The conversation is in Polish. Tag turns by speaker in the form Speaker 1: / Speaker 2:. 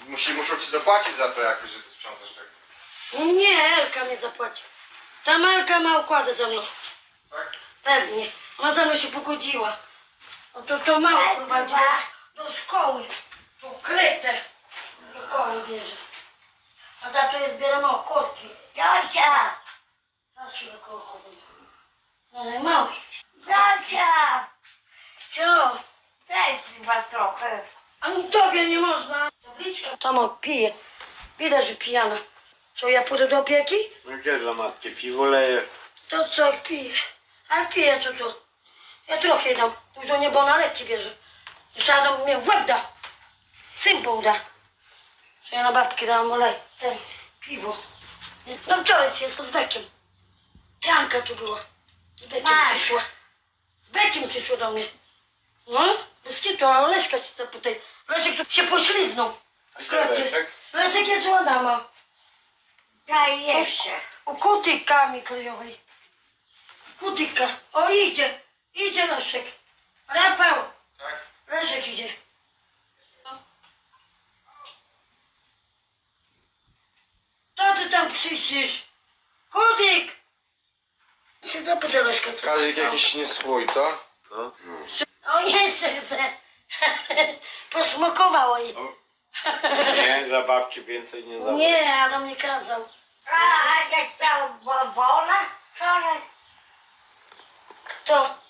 Speaker 1: Muszą ci zapłacić za to jakoś, że ty sprzątasz tak.
Speaker 2: Nie, Elka mnie zapłaci. Ta Elka ma układy ze mną.
Speaker 1: Tak?
Speaker 2: Pewnie. Ona ze mną się pogodziła. No to mało prowadzi do szkoły. To kletę do szkoły bierze. A za to je zbieramy korki.
Speaker 3: Dosia!
Speaker 2: Patrz, ile korków. No najmały.
Speaker 3: Dosia!
Speaker 2: Cio,
Speaker 3: Daj chyba trochę.
Speaker 2: a mi tobie nie można. Tabliczka tam pije. Widać, że pijana. Co, ja pójdę do opieki?
Speaker 4: No gdzie dla matki? Piwo leje.
Speaker 2: To co, jak pije? A jak pije, co to? Ja trochę dam. Dużo nie, bo na leki bierze. Jeszcze raz mnie w łeb da. Cympą da. Że ja na babki dałam olej. Ten, piwo. No wczoraj się z Bekiem. Janka tu była. Z Bekiem przyszła. Z Bekiem przyszła do mnie. No, bez kitu, a Leszka się zapytaj. Leszek tu się pośliznął.
Speaker 4: A
Speaker 2: W
Speaker 4: gdzie
Speaker 2: sklepie.
Speaker 4: Leszek?
Speaker 2: Leszek jest u Adama.
Speaker 3: Daj jeszcze.
Speaker 2: U kutyka mikrojowej. Kutyka. O, idzie. Idzie Leszek. Rafał.
Speaker 1: Tak?
Speaker 2: Leszek idzie. Co ty tam krzyczysz? Kutyk! Się zapytaj Leszka, co
Speaker 1: Kazik jakiś nie swój, co?
Speaker 4: No.
Speaker 2: O, jeszcze chce. Posmakowało jej.
Speaker 4: Nie, za babci więcej nie da.
Speaker 2: Nie, Adam nie kazał.
Speaker 3: A jak stał wola? Wczoraj.
Speaker 2: To